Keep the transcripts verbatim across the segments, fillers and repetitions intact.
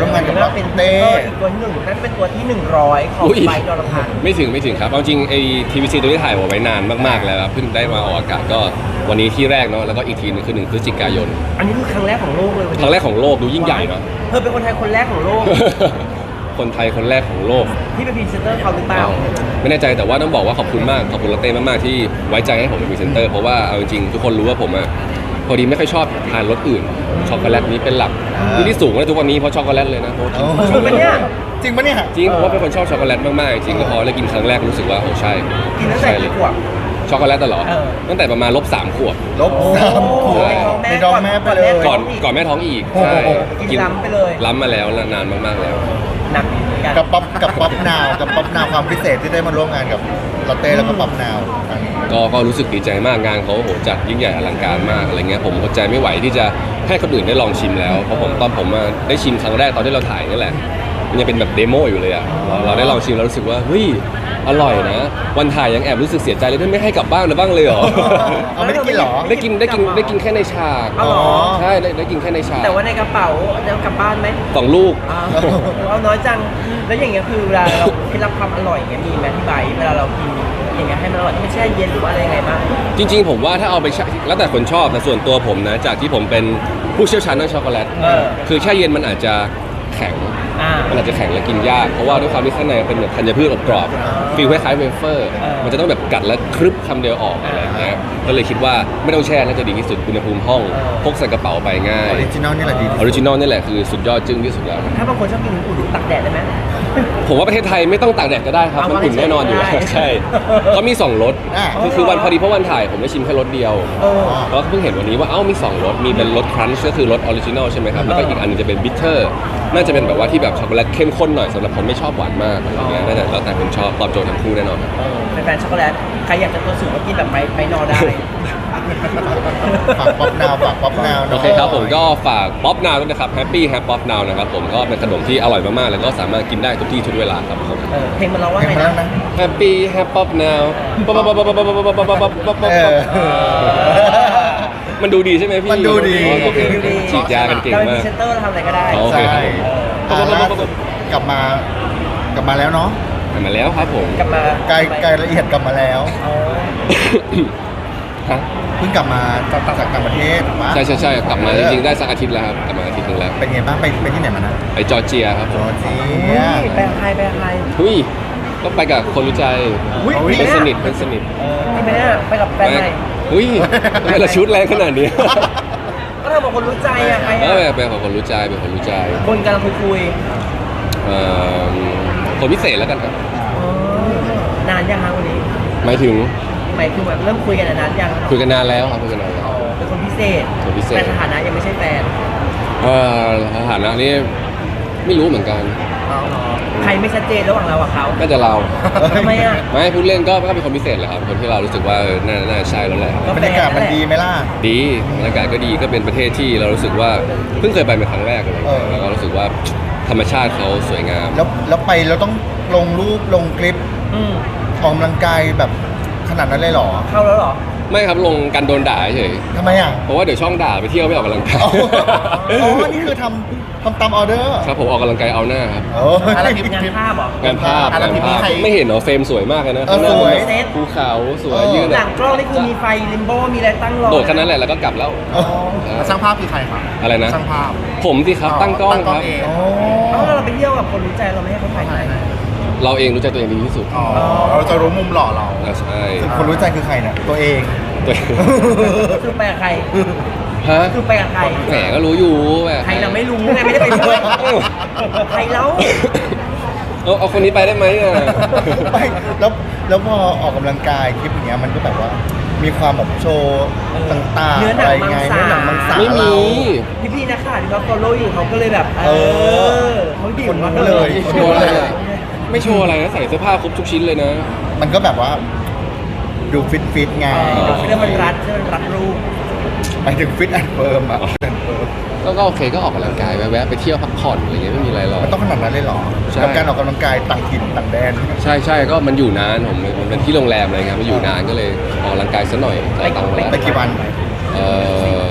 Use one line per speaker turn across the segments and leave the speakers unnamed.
ร่วมงานกับลาเต้
อีกตัวหนึ่งนั่นเป็นตัวที่หนึ่งร้อยของไบค์ดอลพัน
ไม่ถึงไม่ถึงครับเอาจริงไอ้ทีวีซีตัวนี้ถ่ายไว้นานมากๆแล้วครับเพิ่งได้มาออกอากาศก็วันนี้ที่แรกเนาะแล้วก็อีกทีนึงคือหนึ่งพฤศจิกายน
อันนี้คือครั้งแรกของโลกเลย
ครั้งแรกของโลกดูยิ่งใหญ่เนาะ
เธอเป็นคนไทยคนแรกของโลก
คนไทยคนแรกของโลก
ที่เป็นพรีเซนเตอร์เขาหรือเปล่า
ไม่แน่ใจแต่ว่าต้องบอกว่าขอบคุณมากขอบคุณลาเต้มากๆที่ไว้ใจให้ผมเป็นพรีเซนเตอร์เพราะว่าเอาจริงๆทุกคนรู้ว่าผมอะพอดีไม่ค่อยชอบทานรสอื่นช็อกโกแลตนี้เป็นหลักที่ที่สูงแล้วทุกวันนี้เพราะช็อกโกแลตเลยนะเพราะ
โอ้
จริงปะเนี่ย
จริงปะเนี่ย
จริงเพราะว่าเป็นคนชอบช็อกโกแลตมากๆจริงแล้วพอได้กินครั้งแรกรู้สึกว่าโอ้ใช่
กินตั้งแต่
ใช่เลย
กี่ขวบ
ช็อกโกแลตตลอด
เออ
ตั้งแต่ประมาณลบสามขวบ
ลบสามขวบ
ใน
ใน
ท้
ท้
อ
อง ง
แม่
แม่
ไป
ไป
เล
เลย ย
ก่อนก่อนแม่ท้องอีกใช่
กินล้ำไปเลย
ล้ำมาแล้วนานมากๆแล้ว
หนักเหมือนกัน
กับป๊อปกับป๊อปนาวกับป๊อปนาวความพิเศษที่ได้มาร่วมงานกับลาเต้แล้วก็ป๊อปนาวครั้งนี้
ก็ก็รู้สึกดีใจมากงานเขาโหจัดยิ่งใหญ่อลังการมากอะไรเงี้ยผมอดใจไม่ไหวที่จะให้คนอื่นได้ลองชิมแล้วเพราะผมตอนผมมาได้ชิมครั้งแรกตอนที่เราถ่ายนี่แหละมันยังเป็นแบบเดโมอยู่เลยอะเราเราได้ลองชิมแล้วรู้สึกว่าเฮ้ยอร่อยนะวันถ่ายยังแอบรู้สึกเสียใจเลยที่ไม่ให้กลับบ้านนะบ้างเลยเหรอ
เอาไม่ได้กินเหรอ
ได้กินได้กินได้กินแค่ในฉาก
เอาเหรอ
ใช่ได้ได้กินแค่ในฉาก
แต่ว่าในกระเป๋าจะกลับบ้านไหม
สองลูก
อ้าวเอาน้อยจัง แล้วอย่างเงี้ยคือเวลาเราเคล็ดลับความอร่อยอย่างเงี้ยมีไหมที่ไบค์เวลาเรากินอย่างเงี้ยให้มันอร่อยไม่แช่เย็นหรือว่าอะไรยังไงบ้าง
จริงๆผมว่าถ้าเอาไปแช่แล้วแต่คนชอบแต่ส่วนตัวผมนะจากที่ผมเป็นผู้เชี่ยวชาญด้านช็อกโกแลต
เออ
คือแช่เย็นมันอาจจะแข็ง
อ่า
มันอาจจะแข็งและกินยากเพราะว่าด้วยความที่ข้างในเป็นแบบธัญพืชอบกรอบฟีลคล้ายๆเวเฟอร์
เออ
มันจะต้องแบบกัดแล้วครึบคำเดียวออกอะไรอย่างเงี้ยก็เลยคิดว่าไม่ต้องแช่น่าจะดีที่สุดอุณหภูมิห้องพกใส่กระเป๋าไปง่า
อย อริจินอลนี่แหละดีที่
อ
สุ
อ
ด
ริจินอลนี่แหละคือสุดยอดจึ้งที่สุดแล้ว
ถ้าบางคนชอบกินอุ่นๆตักแดดได้ไหม
ผมว่าประเทศไทยไม่ต้องตากแดดก็ได้ครับ
เอา
มันอุ่นแน่นอนอยู่แล้ว
ได้
ใช่เขามีสองรส
อ่ะ
คือคือวันพอดีเพราะวันถ่ายผมได้ชิมแค่รสเดียว
เออ
แล้วเพิ่งเห็นวันนี้ว่าเอ้ามีสองรสมีเป็นรสครันช์ก็คือรสออริจินอลใช่ไหมครับแล้วก็อีกอันนึงจะเป็นบิทเทอร์น่าจะเป็นแบบว่าที่แบบช็อกโกแลตเข้มข้นหน่อยสำหรับผมไม่ชอบหวานมากอะไรเงี้ยน่าจะแล้วแต่คนชอบตอบโจทย์ทั้งคู่แน่นอนครับ
เออเป็นแฟนช็อกโกแลตใครอยากจะตัวสูงก็กินแบบไปไปนอได้
ฝากป๊อปนาวฝากป๊อปนาว
โอเคครับผมก็ฝากป๊อปนาวด้วยนะครับแฮปปี้แฮปป๊อปนาวนะครับผมก็เป็นขนมที่อร่อยมากๆแล้วก็สามารถกินได้ทุกที่ทุกเวลาครับผม
เออเพลงมันร้องว่า
เห็น
ไง
มาแล้ว
นะ
นะ
แฮปปี้แฮปป๊อปนาวป๊อปป๊อปป๊อปป๊อปป๊อปป๊อปป๊อปป๊อปป๊อปป๊อป
เออ
มันดูดีใช่ไหมพี่
มันดูดี
อ๋อโอเคฉีดยากันเก่ง
เราเป็นพ
มา
รี
ก
เซนเตอร์เราทำอะไรก็ได้
โอเค
ใช่
ครับผม
อ่าล่าสุดกลับมากลับมาแล้วเนาะ
มาแล้วครับผม
กลับมา
ไกลไกลละเอียดกลับมาแล้ว
อ๋อ
ฮะ
เพิ่งกลับมาจากจากต่างประเทศถูกปะ
ใช่ใช่ใช่กลับมาจริงๆได้สักอาทิตย์แล้วครับกลับมาอาทิตย์หนึงแล้ว
เป็นไงบ้างไปไปที่ไหนมานะ
ไปจอร์เจียครับผ
จ
ม
อร์เจี
อุ้
ย
ยไปกับใครไปกับใคร
หุ้ยก็ไปกับคนรู้ใจ
อุ้ย
เพื่อนสนิทเพื่อนสนิท
นี่ไปเนี่ยไปกับแฟนใหม่
หุ้ยทำไมเราชุดแรงขนาดนี้
ก็เธอบอกคนรู้ใจอะใคร
เอ
อะ
อเป็นของคนรู้ใจเป็นคนรู้ใจ
คนกำลังคุยคุย
เอ่อคนพิเศษแล้วกันครับ
ๆอ๋อนานยังคะวันนี้
หมายถึง
หมายถึงแบบเริ่มคุยกันนานยัง
คุยกันนานแล้วครับคุยกันนานแล้ว
อ๋อเป็นคนพิเศษ
คนพิเศษ
แต่สถานะยังไม่ใช่แฟน
เอ่อสถานะนี้ไม่รู้เหมือนกัน
อ๋อใครไม่ชัดเจนระหว่างเรากับเขา
น่าจะเรา
ทำไมอะ
ไม่พูดเล่นก็ก็เป็นคนพิเศษแหละครับคนที่เรารู้สึกว่าเออน่าน่าใช่แล้วแหละ
ก็
บร
แฟ
รยากาศมันดีไหมล่ะ
ดีบรรยากาศก็ดีก็เป็นประเทศที่เรารู้สึกว่าเพิ่งเคยไปเป็นครั้งแรกเลย
เออ
แล้วก็รู้สึกว่าธรรมชาติเขาสวยงาม
แล้วแล้วไปเราต้องลงรูปลงคลิป
อืม
ออกกำลังกายแบบขนาดนั้นเลยเหรอ
เข้าแล้วเหรอ
ไม่ครับลงกันโดนด่าเฉย
ทำไมอ่ะ
เพราะว่าเดี๋ยวช่องด่าไปเที่ยวไม่ออกกำลังกาย
อ๋ออ๋อนี่คือทำทำตามออเดอร์
ครับผมออกกำลังกายเอาหน้าครับ
โอ้
อะไรพิมพ์งานภาพเหรอง
านภาพ
อะไร
งาน
พิมพ์
ภาพ
ใคร
ไม่เห็นเหรอเฟรมสวยมากเลยนะ
เออ
ข้างหน้า
สวย
แบบภูเขาสวย
เออ
ยืน
หลังกล้องนี่คือมีไฟลิมโบมีอะไรตั้งรอ
โดดแค่นั้นแหละแล้วก็กลับแล้ว
อ๋อ
แล้วช่างภาพคือใครครับ
อะไรนะ
ช่างภาพ
ผมสิครับตั้งกล้องครับ
เอง
อ๋อ
เอ้าเราไปเที่ยวกับคนรู้ใจเราไม่ให้เขาถ่ายให้
เราเองรู้ใจตัวเองดีที่สุด
อ๋อ เราจะรู้มุมหล่อเรา
อ่าใช่
คนรู้ใจคือใครเนี่ยตัวเอง
ตัวเอง
คือไปกับใคร
ฮะ
คือไปกับใคร
แหมก็รู้อยู่แหม
ใครเราไม่รู้ไงไม่ได้ไปด้วยใครแล้ว
เอาเอาคนนี้ไปได้ไหมอ่ะ
ไม่แล้วแล้วพอออกกำลังกายคลิปอย่างเงี้ยมันก็แบบว่า มีความแบบโชว์ต่างๆ
เนื้อหนั
อะ
ง
ไรไง
มังสา
เนื้อหนังมังสา
ไม่มี
เรา
พี่พี่ๆนักข่าวที่เขาฟอลโล่อยู่เขาก็เลยแบบ เอ
เอ
อเขาดิ่
ค
ง
น
มา
รู้เลย
ไม่โชว์อะไรอะไม่โชว์อะไรนะใส่เสื้อผ้าครบทุกชิ้นเลยนะ
มันก็แบบว่า ดูฟิตฟิตๆไง
เออเรื่องมันรัดเรื่องมันรัดรูป
หมายถึงฟิตแอนด์เฟิร์มอ่ะ fit and firm
ก็ก็โอเคก็ออกกำลังกายแวะๆไปเที่ยวพักผ่อนอะไรเงี้ยไม่มีอะไรหรอก
มันต้องขนาดนั้นเลยเหรอ
ใช่
กับการออกกำลังกายต่างถิ่นต่างแดน
ใช่ใช่ก็มันอยู่นานผมมันเป็นที่โรงแรมอะไรเงี้ยมันอยู่นานก็เลยออกกำลังกายซะหน่อยจ่ายตังค์มาแล้ว
ไปกี่วัน
เอ่อ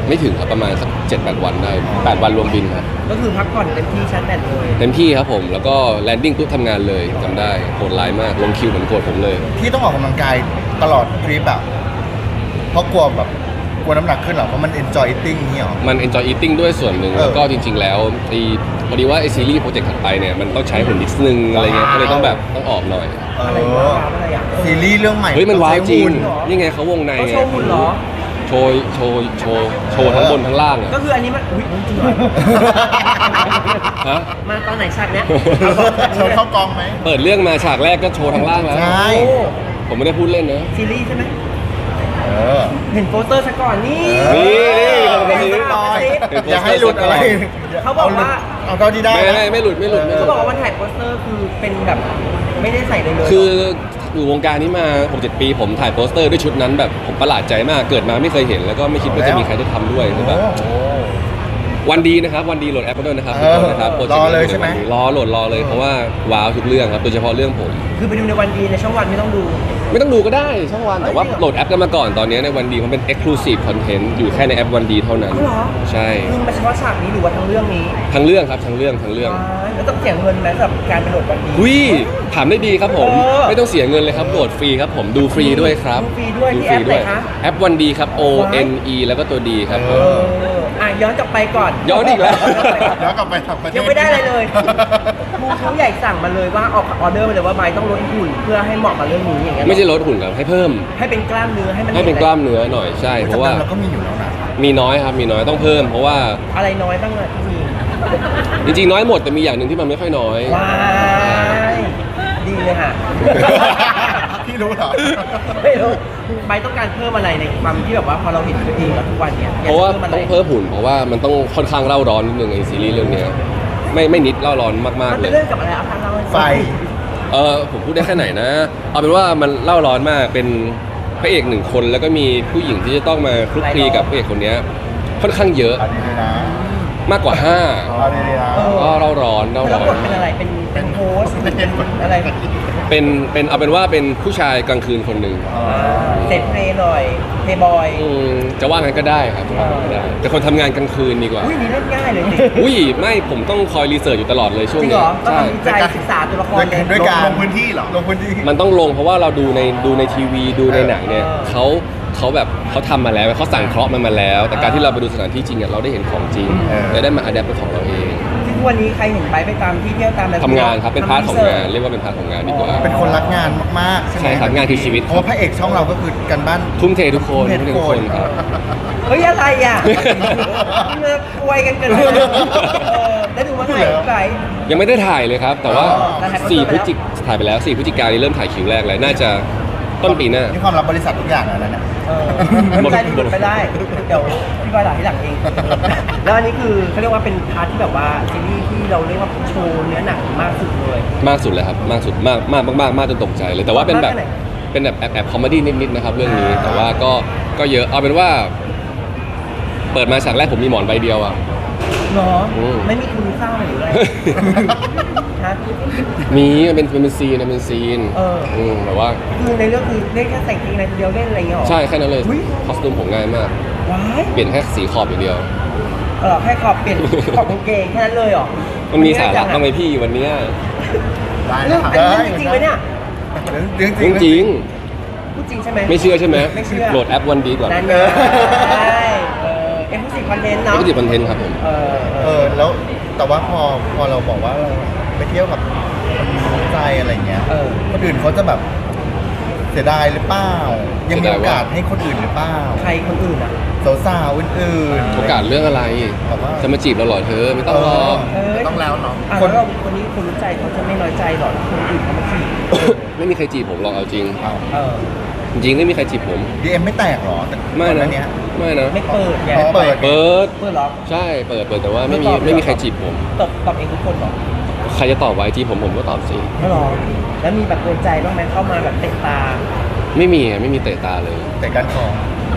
ไม่ถึงครับประมาณสักเจ็ดแปดวันได้แปดวันรวมบินครับ
ก็คือพักผ่อนเต็มที่ชั้นแบตเลย
เต็มที่ครับผมแล้วก็แลนดิ้งปุ๊บทำงานเลยจำได้โหดร้ายมากลงคิวเหมือนโกรธผมเลย
ที่ต้องออกกำลังกายตลอดทริปอะเพราะกลัวแบบกลัวน้ำหนักขึ้นเหรอเพราะมัน enjoy eating นี่หรอ
มัน enjoy eating ด้วยส่วนหนึ่ง
เออ
แล้วก็จริง ๆ แล้วไอ้พอดีว่าไอซีรีส์โปรเจกต์ถัดไปเนี่ยมันต้องใช้หุ่นนิดนึงอะไรเงี้ยก็เลยต้องแบบต้องออกหน่อย
เอ
อะไร
อ
วะอะไรอ่ะ
ซีรีส์เรื่องใหม่
เฮ้ยมันว้าวจริง
ต้องใช้หุ่น
นี่ไงเขาวงใน
เขา
ไง
โชว์หุ่นเหรอ
โชว์โชว์โชว์โชว์ทั้งบนทั้งล่างอะ
ก็คืออันนี้มันอุ้ยจริงเหรอ
ฮะ
มาตอนไหนฉากเนี้ย
โชว์เข้ากองไหม
เปิดเรื่องมาฉากแรกก็โชว์ทั้งล่างแล้ว
ใช่
โอ้
ผมไม่ได้พูดเล่นนะ
ซีรีส์ใช่ไหม
เออ
เห็นโปสเตอร์ซะก่อนนี่
นี่นี่คนกระซิบ
เห็นโปสเตอร์
อย่าให้หลุดอะไร
เขาบอกว่า
เอาเท่าที่ได้
ไม่
นะ
ไม่ไม่หลุดไม่หลุดไม่ห
เขา
ลุด
บอกว่าวันถ่ายโปสเตอร์คือเป็นแบบไม่ได้ใส่เลยเลย
คืออยู่วงการนี้มา หกเจ็ด ปีผมถ่ายโปสเตอร์ด้วยชุดนั้นแบบผมประหลาดใจมากเกิดมาไม่เคยเห็น แล้วก็ไม่คิดว่าจะมีใครได้ทำด้วยคือแบบ
โอ้
วันดีนะครับวันดีโหลดแอปด้วยนะครับ
เอ
ทุก
อ
คนนะครับโปรเจกต์
รอเลยใช่ไหม
รอโหลดรอเลยเพราะว่าว้าวทุกเรื่องครับโดยเฉพาะเรื่องผม
คือไปดูในวันดีในช่องวันไม่ต้องดู
ไม่ต้องดูก็ได้ช่องวันแต่ว่าโหลดแอปกันมาก่อนตอนนี้ในวันดีมันเป็น Exclusive Content อยู่แค่ในแอปวันดีเท่านั้น
อ๋อเหรอ
ใช่
คือมาเฉพาะฉากนี้หรือว่าทั้งเรื่องนี้
ทั้งเรื่องครับทั้งเรื่องทั้งเรื่อง
ว้ายแล้วต้องเสียเงินไหมสำหรับการไปโหลดวันดี
วิถามได้ดีครับผม
เออ
ไม่ต้องเสียเงินเลยครับโหลดฟรีครับผมดูฟรีด้วยครับ
ดูฟรีด้วยที่แอปไหนคะ
แอปวันดีครับ O N E แล้วก็ตัวดีครับผ
เอ
ม
ออ่ะย้อนกลับไปก่อน
ย้อนอีกแล้ว
แล้วกลับไปทำประเทศ
ยังไม่ได้อะไรเลยมูเขาใหญ่สั่งมาเลยว่าออกออเดอร์มาเลยว่าไบร์ทต้องลดหุ่นเพื่อให้เหมาะกับเรื่องนี้อย่างเงี้ย
ไม่ใช่ลดหุ่นครับให้เพิ่ม
ให้เป็นกล้ามเนื้อให้มัน
ให้เป็นกล้ามเนื้อหน่อยใช่เพราะว่า
เราก็มีอยู่แล้วนะ
มีน้อยครับมีน้อยต้องเพิ่ม เพราะว่า
อะไรน้อยบ้างอะที่มี
จริงๆน้อยหมดแต่มีอย่างหนึ่งที่มันไม่ค่อยน้อย
ว้ายดีเลยค่ะ
พี่รู้เหรอ
ไม่รู้ไบร์ทต้องการเพิ่มอะไรในความที่แบบว่าพอเราเห็นตัวเองแล้วทุกวันเนี่ย
เพราะว่า
อยกจ
ต้อง
เพิ่
เพิ่
ม
มหุ่นเพราะว่ามันต้องค่อนข้างเล่าร้อนนิดนึงไอซีรีส์เรื่องเนี้ยไม่ไม่นิดเล่าร้อน
อะ
มาก
ไรมัน
ๆเล
เป็น
ย
เรื่องกับอะไรเอาทางเราให้ฟัง
ไฟ
เออผมพูดได้แค่ไหนนะ เอาเป็นว่ามันเล่าร้อนมากเป็นพระเอกหนึ่งคนแล้วก็มีผู้หญิงที่จะต้องมาคลุกคลีกับพระเอกคนเนี้ยค่อนข้างเยอะ
เอาดีๆนะ
มากกว่าห้า
เอาดีๆนะ
เออ
ก็เล่าร้อนเล่า
แล้ว
ร้อบ
ท
น
เป็นอะไรเป็นเป็นโฮสต์เป็นอะไร
เป็นเป็นเอาเป็นว่าเป็นผู้ชายกลางคืนคนหนึ่ง
อ๋อ
เซ็ตเพลย์หน่อยเพย์บอย
อืมจะว่างั้นก็ได้ครับจะว่างั้นก็ได้แต่คนทำงานกลางคืนดีกว่า
อุ้ยนี่เล่นง่ายเลยสิ
อุ้ยไม่ผมต้องคอยรีเสิร์ชอยู่ตลอดเลยช่วง
จริงเห
เนี้
ร
ย
อต้อง
ใช่
ทำวิจัยศึกษาตัวละครเลย
ด้วยการ
ลงพื้นที่เหรอ
ลงพื้นที่
มันต้องลงเพราะว่าเราดูในดูในทีวีดูในหนังเนี่ย
เออ
เขาเขาแบบเขาทำมาแล้วเขาสั่งเคราะห์มันมาแล้ว แต่การที่เราไปดูสถานที่จริงอะเราได้เห็นของจริง
เออ
และได้มาอัดแอปเป็นของเราเอง
ที่ทุกวันนี้ใครเห็นไปไปตามที่เที่ยวตามอะไร
ทำงานครับเป็นพาร์ทของงานเรียกว่าเป็นพาร์ทของงานดีกว่า
เป็นคนรักงานมากๆใช่ไหม
ใช่ครับงานคือชีวิต
เพราะว่าพระเอกช่องเราก็คือกันบ้าน
ทุ่มเททุกคน
ทุ่
ทุ่
ม
ม
เท
เท
ทุ
ทุ
ก
ก
ค
คน นครับ
เฮ้ยอะไรอ่ะเมื่อควยกันเกินไปแล้วเออได้ดูเมื่อไหร่พี่ไบร์ท
ยังไม่ได้ถ่ายเลยครับ แต่ว่า
อ๋อแต่ถ่าย
สี่
ไป
พฤ
แล้ว
ศจิกถ่ายไปแล้วสี่พฤศจิกายนนี้เริ่มถ่ายคิวแรกเลยน่าจะต้นปีหน้า
นี่ความรับบริษัททุกอย่างแล้วนะ
เออไม่เป็นไรรีบไปได้ เดี๋ยวพี่บอยหลังที่หลังเอง แล้วอันนี้คือเขาเรียกว่าเป็นพาร์ทที่แบบว่าซีรีส์ที่เราเรียกว่าโชว์เนื้อหนังมากสุดเลย
มากสุดเลยครับมากสุดมากมากมากมากมากจนตกใจเลยแต่ว่าเป็นแบบ
มากแค่ไหน
เป็นแบบแอบแอบคอมเมดี้นิดๆนะครับเรื่องนี้
อ่า
แต่ว่าก็ก็เยอะเอาเป็นว่า เปิดมาฉากแรกผมมีหมอนใบเดียวอ่ะ
เนาะ
อืม
ไม่มีคุณเศร้าหรืออะไรฮะ
มีมันเป็นมันเป็นซีนมันเป็นซีน
เอออื
มแบบว่า
คือในเรื่องคือเล่นแค่แต่งเพลงในเดียวเล่นอะไรอย่างเงี้ยหรอ
ใช่แค่นั้นเลย
อุ๊ย
คอสตูมผมง่ายมาก
ว้าย
เปลี่ยนแค่สีขอบอย่างเดียว
เออแค่ขอบเปลี่ยนขอบกางเกงแค่นั้นเลยเหรอ
มันมีสาระบ้างไหมพี่วันเนี้ย
ได้
เรื่
นะ
อง
ครับ
อันนี้เรื่องจริงไหมเนี่ย
เรื่องจ
จ
ริง
ริง
พูดจริงใช่ไหม
ๆไม่เชื่อใช่ไหม
ไม่เชื่อ
โหลดแอปวันดีก่อน
นั่นไงใช่เออเอ็มพูดสิคอนเทนต์เนาะ
ไม่ติดคอนเทนต์ครับผม
เออ
เออแล้วแต่ว่าพอพอเราบอกว่าเราไปเที่ยวกับคนรู้ใจอะไรเงี้ย
เออ
คนอื่นเขาจะแบบเสียดายหรือเปล่ายังมีโอกาสให้คนอื่นหรือเปล่า
ใครคนอื่นอ่ะ
สาวๆอื่นๆ
โอกาสเรื่องอะไร
แบบว่า
จะมาจีบเราเหรอเธอไม่ต้องหรอก
เอ้ย
ต้องแล้วเนาะ
อ่ะ
คน
แล้วเราคนนี้คนรู้ใจเขาจะไม่น้อยใจหรอคนอื่นเขามาจีบ
ไม่มีใครจีบผมหรอกเอาจริง
อ้าว
เออ
จริงๆไม่มีใครจีบผม
ดีเอ็มไม่แตกเหรอแต่
ไม่
ก่อห
นะ
น้าเนี้ย
ไม่นะ
ไม่เปิดไง
ไม่เปิด
เปิด
เปิดเหรอ
ใช่เปิดเปิดแต่ว่าไม่มี
ไม่ตอบเลยเหรอ
ไม่มีใครจีบผม
ตอบตอบเองทุกคนเหรอ
ใครจะตอบไว้จีบผมผมก็ตอบสิ
ไม่หรอแล้วมีแบบโดนใจบ้างไหมเข้ามาแบบเตะตา
ไม่มีอะไม่มีเตะตาเลย
แต่การคอ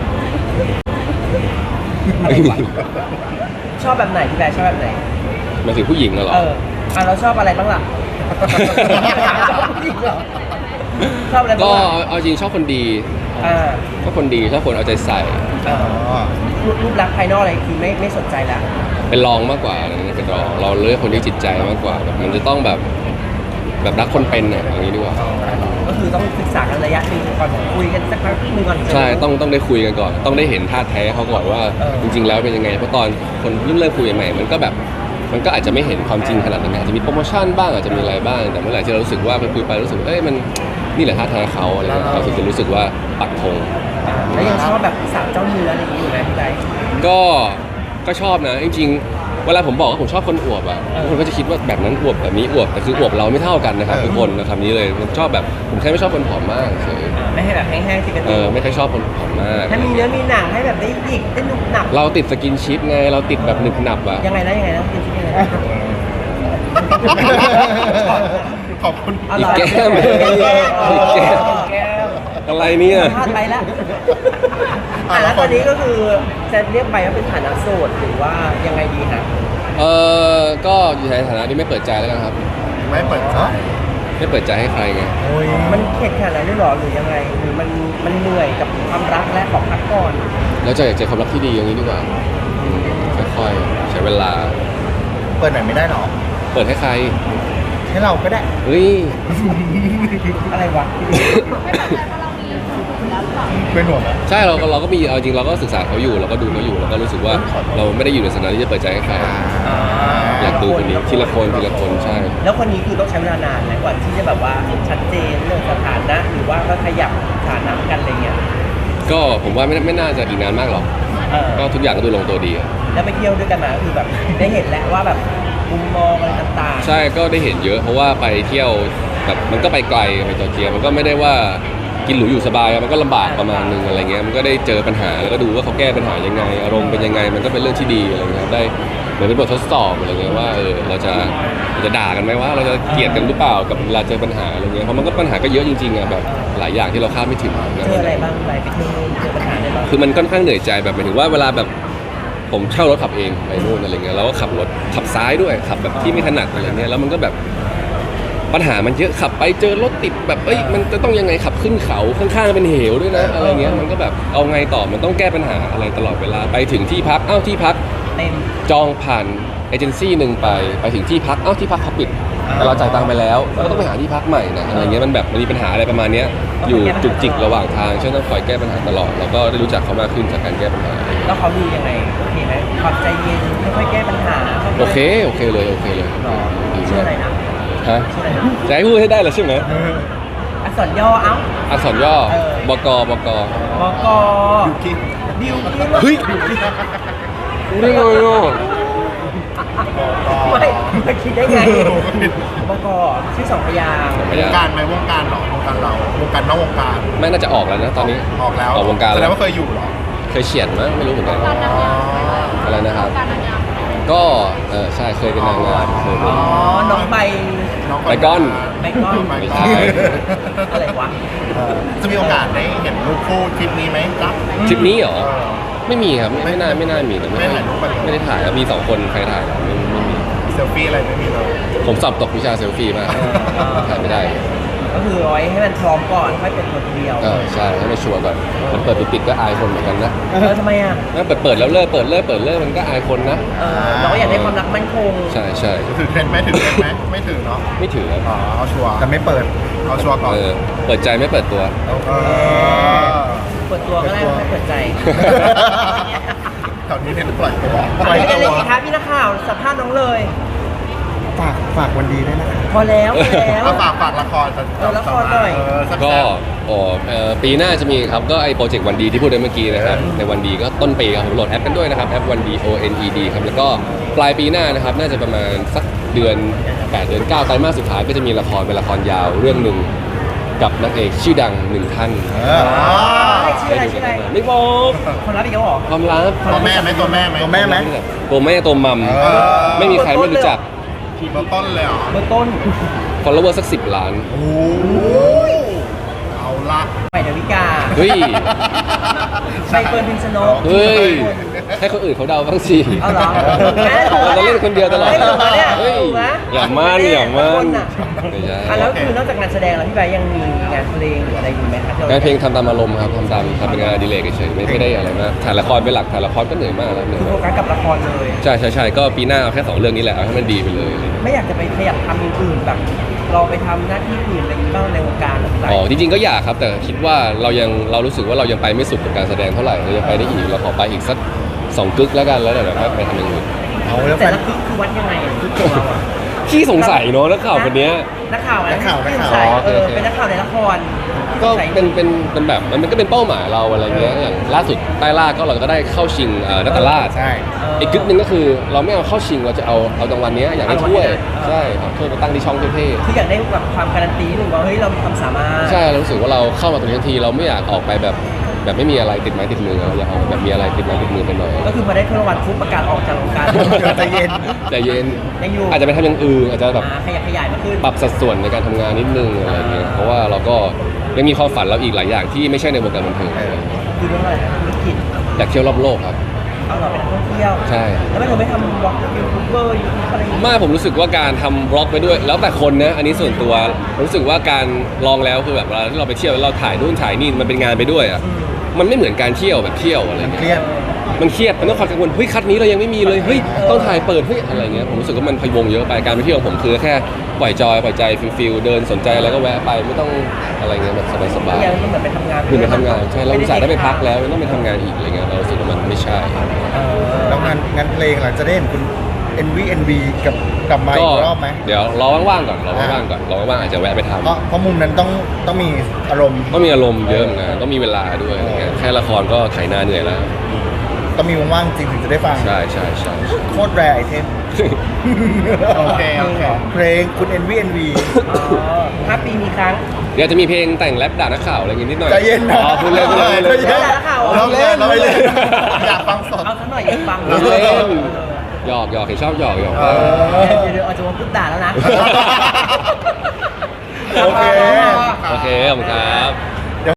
อะไรวะชอบแบบไหนพี่แบร์ชอบแบบไหน
หมายถึงผู้หญิงน่ะเหรอ
เอออ่ะเราชอบอะไรบ้างล่ะ ชอบผู้หญิงเหรอชอบอะไรบ้าง
ก็
ล่ะ
เอาเอาจริงชอบคนดี
อ่า
ชอบคนดีชอบคนเอาใจใส่
อ่า
อ๋อ
รูปลักษณ์ภายนอกอะไรคือไม่ไม่สนใจละ
เป็นรองมากกว่าอะไรเงี้ยเป็นรองเราเลือกคนที่จิตใจมากกว่าแบบมันจะต้องแบบแบบรักคนเป็นอะอย่างนี้ดีกว่า
ก็คือต้องศึกษากันระยะหนึ่งก่อนคุยกันสักพักหนึ่งก่อน
ใช่ต้องต้องได้คุยกันก่อน ต้องได้เห็นท่าแท้เขาก่อนว่า
เออ
จริง ๆ แล้วเป็นยังไงเพราะตอนคนเริ่มเริ่มคุยใหม่ๆมันก็แบบมันก็อาจจะไม่เห็นความจริงขนาดนั้นอาจจะมีโปรโมชั่นบ้างอาจจะมีอะไรบ้างแต่เมื่อไหร่ที่เรารู้สึกว่าไปคุยไปรู้สึกว่าเอ้ยมันนี่แหละท่าแท้เขาอะไรเงี้ยเราถึงจะรู้สึกว่าปักธง
อ่าแล้วยังชอบแบบสาวเจ้าเนื้ออะไรอย่างนี้อยู่ไหมพี่ไบร์ท
ก็ก็ชอบนะจริงๆเวลาผมบอกว่าผมชอบคนอวบอ่ะ
เออ
คนก็จะคิดว่าแบบนั้นอวบแบบนี้อวบแต่คืออวบเราไม่เท่ากันนะครับทุกคนนะคำนี้เลยผมชอบแบบผมแค่ไม่ชอบคนผอมมากเฉย
อ่าไม่ให้แบบแห้งๆสิกัน
เออไม่ค่อยชอบคนผอมมาก
ถ้ามีเนื้อมีหนังให้แบบได้หยิกได้หนุบหนับ
เราติดสกินชิปไงเราติดแบบหนึบหนับอ่ะ
ยังไงนะยังไงนะเป็นชิ้นยังไงนะ
ขอบคุณ
อ
อี
ร่
ก
อย
แก้ม
อีกแก้ม
อีกแก้มอะไรเนี่ย
พลาดไปแล้วอ่ะแล้วตอนนี้ก็คือจะเรียกไปว่าเป็นฐานะโสดหรือว่ายังไงดีฮะ
เออก็อยู่ในฐานะที่ไม่เปิดใจแล้วกันครับ
ไม่เปิดใจ
ไม่เปิดใจให้ใครไง
โอ้ย
มันเข็ดขนาดนั้นด้วยเหรอหรือยังไงหรือมันมันเหนื่อยกับความรักและขอพักก่อน
แล้วจะอยากเจอความรักที่ดีอย่างนี้ดีกว่าอืมค่อยๆใช้เวลา
เปิดไหนไม่ได้หรอ
เปิดให้ใคร
ให้เราก็ได้
เฮ้ย
อะไรวะ
เป็นห่วงนะ
ใช่เราก็เราก็มีเอาจริงเราก็ศึกษาเขาอยู่เราก็ดูเขาอยู่เราก็รู้สึกว่าเราไม่ได้อยู่ในสถานะที่จะเปิดใจให้ใครอยากดูคนนี้ทีละคนทีละคนใช่
แล้วคนนี้คือต้องใช้เวลานานไหมกว่าที่จะแบบว่าชัดเจนเรื่องสถานะหรือว่าก็ขยับสถานะกันอะไรเงี้ย
ก็ผมว่าไม่ไม่น่าจะอีกนานมากหรอก
เออ
ก็ทุกอย่างก็ดูลงตัวดีอะ
แล้วไปเที่ยวด้วยกันมาคือแบบได้เห็นแล้วว่าแบบมุมมองอะไรต่างๆ
ใช่ก็ได้เห็นเยอะเพราะว่าไปเที่ยวแบบมันก็ไปไกลไปจอร์เจียมันก็ไม่ได้ว่ากินหรูอยู่สบายอะมันก็ลำบากประมาณนึงอะไรเงี้ยมันก็ได้เจอปัญหาแล้วก็ดูว่าเขาแก้ปัญหายังไง อารมณ์เป็นยังไงมันก็เป็นเรื่องที่ดีอะไรเงี้ยครับได้เหมือนเป็นบททดสอบอะไรเงี้ยว่าเออเราจะเราจะด่ากันไหมว่าเราจะเกลียดกันหรือเปล่ากับเวลาเจอปัญหาอะไรเงี้ยเพราะมันก็ปัญหาก็เยอะจริงๆอะแบบหลายอย่างที่เราคาดไม่ถึงนะ
เจออะไรบ้างไปไปเที่ยวนู่นเจอปัญหาอะไรบ้าง
คือมันค่อนข้างเหนื่อยใจแบบหมายถึงว่าเวลาแบบผมเช่ารถขับเองไปนู่นอะไรเงี้ยแล้วก็ขับรถขับซ้ายด้วยขับแบบที่ไม่ถนัดอะไรเงี้ยแล้วมันก็แบบปัญหามันเยอะขับไปเจอรถติดแบบเอ้ยมันจะต้องยังไงขับขึ้นเขาข้างๆเป็นเหวด้วยนะอะไรเงี้ยมันก็แบบเอาไงต่อมันต้องแก้ปัญหาอะไรตลอดเวลาไปถึงที่พักเอ้าที่พัก
เต็ม
จองผ่านเอเจนซี่หนึ่งไปไปถึงที่พักเอ้าที่พักเขาปิดแต่เราจ่ายตังค์ไปแล้วเราก็ต้องไปหาที่พักใหม่นะอะไรเงี้ยมันแบบมันมีปัญหาอะไรประมาณเนี้ยอยู่จุกจิกระหว่างทางฉะนั้นต้องคอยแก้ปัญหาตลอดแล้วก็ได้รู้จักเขามากขึ้นจากการแก้ปัญหา
แล้วเขาดูยังไงโอเคไหมความใจเย็นค่อยๆแก้ปัญหา
โอเคโอเคเลยโอเคเลย
หรอ
ดี
ชื่อ
มาก
อะไรนะ
ฮะ
ชื่ออะไรนะ
จะให้พูดให้ได้เหรอใช่ไหม
อักษรย่อเอ้า
อักษรย่อ
เออ
บกบก
บก
ยูกิ
บิวกิ้น
เฮ้ยรู้ได้ไงอ่ะ
ไม่ไม่คิดได้ไงบกชื่อสองพยางค์
พ
วย
าง
การไหมวงการเหรอวงการเราวงการนอกวงการ
แม่น่าจะออกแล้วนะตอนนี้
ออกแล้ว
ออกวงการ
แสด
แล้
ง
ว
ว่าเคยอยู่เหรอ
เคยเฉียดมั้ยไม่รู้เหมือนกัน
อ๋อ
อะไรนะครับ ก็เออใช่เคยเป็นนางงามเคยเป็
อ๋
น
อ น้องใบ
น้อง
ไปก้อน
ไปก้อน
ไป
ไม่
ก้
ใช่
อะไรวะ
จะมีโอกาสได้เห็นรูปคู่ทริปนี้ไหมจ๊ะ
ทริปนี้เหรอ
เออ
ไม่มีครับไม่ไม่น่าไม่น่ามีแต่
ไม่ถ่ายรูปกันเหรอ
ไม่ได้ถ่ายครับมีสองคนใครถ่ายไม่ไม่มี
เซลฟี่อะไรไม่มีเลย
ผมสอบตกวิชาเซลฟี่มากถ่ายไม่ได้
ก็คือเอาไว้ให้มันพร้อมก่อนค่อยเปิดตัวทีเดียว
เออใช่ให้มันชัวร์ก่อนมันเปิดปิดๆก็อายคนเหมือนกันนะ
เออทำไมอ่ะ
ถ้าเปิดเปิดแล้วเลิกเปิดเลิกเปิดเลิกมันก็อายคนนะ
เออเราก็อยากได้ความรักมั่นคง
ใช่ใช่
ถือเทรนด์ไหมถือเทรนด์ไหมไม่ถือเนาะ
ไม่ถือครับ
อ๋อเอาชัวร์
แต่ไม่เปิด
เอาชัวร์ก่อน
เออเปิดใจไม่เปิดตัว
เออ
เปิดตัวก็ได้ไม่เปิดใจ
แถวนี้เน้นปล่อยตัว
อะไรกันเลยอีกครับพี่นักข่าวสัมภาษณ์น้องเลย
ฝากฝากวันดีด้วยนะคะ
พอแล้วพอแล้ว
เอาฝากฝากละครจะ
เออละครหน่อย
เออแซ่บๆ
ก็อ๋อเอ่อปีหน้าจะมีครับก็ไอโปรเจกต์วันดีที่พูดไปเมื่อกี้นะครับในวันดีก็ต้นปีครับผมโหลดแอปกันด้วยนะครับแอปวันดี O N E D ครับแล้วก็ปลายปีหน้านะครับน่าจะประมาณสักเดือนแปดเดือนเก้าไตรมาสสุดท้ายก็จะมีละครเป็นละครยาวเรื่องหนึ่งกับนักเอกชื่อดังหนึ่งท่าน
เออ
ชื่ออะไรชื่ออะไร
ไม่บอก
คนรับอีกแล้วเหรอ
ความลับ
ตัวแม่ไหมตัวแม่ไหม
ตัวแม่ไหม
ตัวแม่ตัวมัม
เออ
ไม่มีใครไม่รู้จัก
ตัวต้นเลยเหรอ
เบอร์ต้น
ฟอลโลเวอร์สักสิบล้าน
โอ้
เอาลละ
ใหม่ดาวิกา
เฮ้ย
ใบเฟิร์นพิมชนก
เฮ้ยให้คนอื่นเขาเดาบ้างสิ
เอาเหรอ
เราจะเล่นคนเดียวตลอด
เฮ้ยถูกไหมเนี่ย
เฮ้ย
ถูกไหม
อย่ามั่นอย่ามั่น
คนอะ
ไม่ใช่
อ่ะแล้วคือนอกจากงานแสดงแล้วพี่ใบยังมีงานเพลงหรืออะไรอยู่ไหมคะที่ร
งานเพลงทำตามอารมณ์ครับทำตามทำเป็นงานอดิเรกเฉยๆไม่ไม่ได้อะไรมากถ่ายละครเป็นหลักถ่ายละครก็เหนื่อยมากแล้วเหนื่อย
คือโฟ
มาก
กัสกับละครเลย
ใช่ใช่ใช่ก็ปีหน้าเอาแค่สองเรื่องนี้แหละเอาให้มันดีไปเลย
ไม่อยากจะไปขยับทำอย่างอื่นแบบลองไปทำหน้าที่อื่นอะไรบ้างในวงการอะไร
อ๋อจริงๆก็อยากครับแต่คิดว่าเรายังเรารู้สึกว่าเรายังไปไม่สุดกับการแสดงเท่าไหร่เรายังไปได้อีกเราขอไปอีกสักสองกึกแล้วกันแล้วเดี๋ยวเราไปทำอย่างอื่น
เอาแล้วแฟ
แต่
น
ละคือคือวัดยังไงอะคือของเราอะ
ขี้สงสัยเนาะนักข่าวคนเนี้ย
นักข่าวอะไร
นักข่าวนักข่าว
ที่สงสัย
อ๋อโอเค
เออ
โอเค
เป็นนักข่าวในละครที่
ก็
สงสัย
เป็นเป็นเป็นแบบมันก็เป็นเป้าหมายเราอะไรเงี้ยอย่างล่าสุดใต้ล่าก็เราก็ได้เข้าชิงเอ่อนัตตาลาด
ใช่
อีกกึกหนึ่งก็คือเราไม่เอาเข้าชิงเราจะเอาเอารางวัลเนี้ยอยากได้ถ้วยใช่ครับถ้วยไปตั้งที่ช่องเท่ๆ
คืออยากได้แบบความการันตีหนึ่งว่าเฮ้ยเรามีความสามารถ
ใช่เรารู้สึกว่าเราเข้ามาตรงนี้ทันทีเราไม่อยากออกไปแบบแบบไม่มีอะไรติดไม้ติดมือเราอยากออกแบบมีอะไรติดไม้ติดมือไปหน่อย
ก็คือพอได้ถ้วยรางวัลปุ๊บประกาศออกจากวงการ
ใจเย็น
ใจเย็น
ยังอยู่
อาจจะไปทำอย่างอื่นอาจจะแบบ
อ่าขยับขยายมาขึ้น
ปรับสัดส่วนในการทำงานนิดนึงอะไรเงี้ยเพราะว่าเราก็ยังมีความฝันเราอีกหลายอย่างที่ไม่ใช่ในวงการบันเทิง
เออ
คือเรื่องอะไรนะธุรกิจ
อยากเที่ยวรอบโลกครับ
เอาเราเป็นนักท่องเที่ยว
ใช่
แล้วไม่เราไม่ทำบล็อกยูทูบเบอร์ยูทูบอะไรอย่างเงี้ย
ไมาผมรู้สึกว่าการทำบล็อกไปด้วย แล้วแต่คนนะอันนี้ส่วนตัวผมรู้สึกว่าการลองแล้วคือแบบเวลาที่เราไปเที่ยวแล้วเราถ่ายนู่นถ่ายนี่มันเป็นงานไปด้วยอ่ะมันไม่เหมือนการเที่ยวแบบเที่ยวอะไร
มันเค
เงี้ย
รียด
มันเครียดมันต้องคอยกังวลเฮ้ยคัดนี้เรายังไม่มีเลยเฮ้ยต้องถ่ายเปิดเฮ้ยอะไรเงี้ยผมรู้สึกว่ามันพะวงเยอะไปการไปเที่ยวของผมคือแค่ปล่อยจอยปล่อยใจฟิลฟิลเดินสนใจอะไรก็แวะไปไม่ต้องอะไรเงี้ยแบบสบาย
ยังมันเหมือนไปทำงาน
ๆคือไปทำงานใช่เราอุตส่าห์ได้ไปพักแล้วไม่ต้องไปทำงานอีกอะไรเงี้ยเรารู้สึกว่ามันไม่ใช่
เออ
แล้วงานงานเพลงหลังจะได้เห็นคุณ เอ็น วี เอ็น บี กับกลับมาอี
ก็
กรอบไหม
เดี๋ยวรอว่างๆก่อนรอว่างๆก่อนรอว่างๆอาจจะแวะไปทำ
เพราะเพราะมุมนั้นต้องต้องมีอารมณ์
ต้องมีอารมณ์เยอะเหมือนกันต้องมีเวลาด้วยอะไรเงี้ยแค่ละครก็ไถนาเหนื่อยแล้ว
ต้องมีว่างๆจริงถึงจะได้ฟัง
ใช่ใช่ใช่
โคตรแรไอเทม
โอเคโอเค
เพลงคุณ เอ็น วี เอ็น บี
อ๋อห้าปีมีครั้ง
เดี๋ยวจะมีเพลงแต่งแรปด่านักข่าวอะไรอย่างงี้นิดหน่อย
ใจเย็นนะ
อ๋อพูดเล่นพูดเล่นพูดเล่น
ใจเย็น
เราเล่นเราเล่นอยากฟังสด
เอาสักหน่อยอยากฟัง
พูดเล่นหยอกหยอกเห็นชอบหยอกหยอก
เออ
เดี๋ยวเดี๋ยวเอาจะมาพูดด่าแล้วนะ
โอเค